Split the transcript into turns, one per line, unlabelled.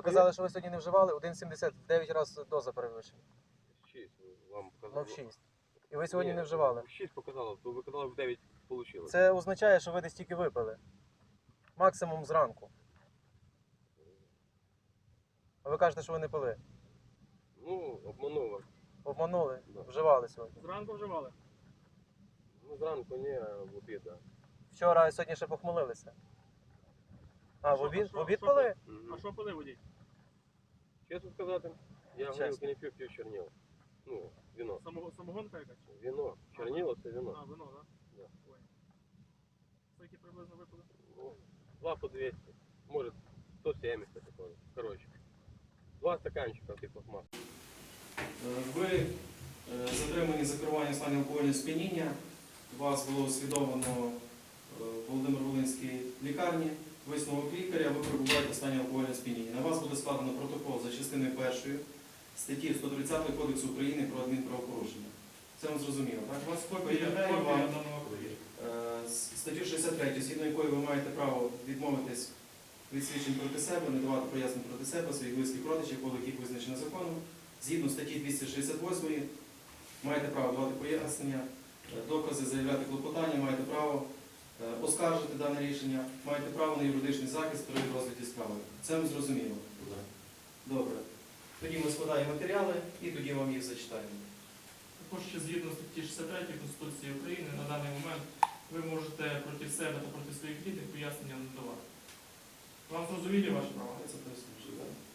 казали, що ви сьогодні не вживали, 1,70 в 9 разів доза перевищена.
6 вам
Ну,
показало.
в 6. І ви сьогодні
Ні,
не вживали.
6 показало, то ви казали в 9 вийшло.
Це означає, що ви десь тільки випили. Максимум зранку. А ви кажете, що ви не пили.
Ну, обманув вас.
Обманули,
Да.
вживали сьогодні.
Зранку вживали?
Ну, зранку ні, а в обід, так.
Вчора і сьогодні ще похмелилися. А, в обід пили?
А що пили водій?
Чесно сказати, я
Чесно.
горілки не пив, пив чорніло. Ну, вино.
Самогонка якась?
Вино. Чорніло це вино.
А, вино, так?
Да.
Ой. Скільки приблизно випили?
Ну, 2 по 200. Может, 170 такое. Короче. 2 стаканчика типу масла.
Ви затримані за керування в стані алкогольного сп'яніння. Вас було освідомлено в Володимир-Волинській лікарні. Висновок лікаря, ви перебуваєте в стані алкогольного сп'яніння. На вас буде складено протокол за частиною 1 статті 130 Кодексу України про адмінправопорушення. Це вам зрозуміло, так? У вас повідомляю вам статтю 63, згідно якої ви маєте право відмовитись від свідчень проти себе, не давати пояснень проти себе, своїх близьких родичів, коло яких визначено законом. Згідно статті 268 маєте право давати пояснення, докази, заявляти клопотання, маєте право оскаржити дане рішення, маєте право на юридичний захист при розгляді справи. Це вам зрозуміло? Добре. Тоді ми складаємо матеріали і тоді вам їх зачитаємо.
Також ще згідно статті 63 Конституції України на даний момент ви можете проти себе та проти своїх рідних пояснення не давати. Вам зрозумілі ваші права?
Це пояснюю, так?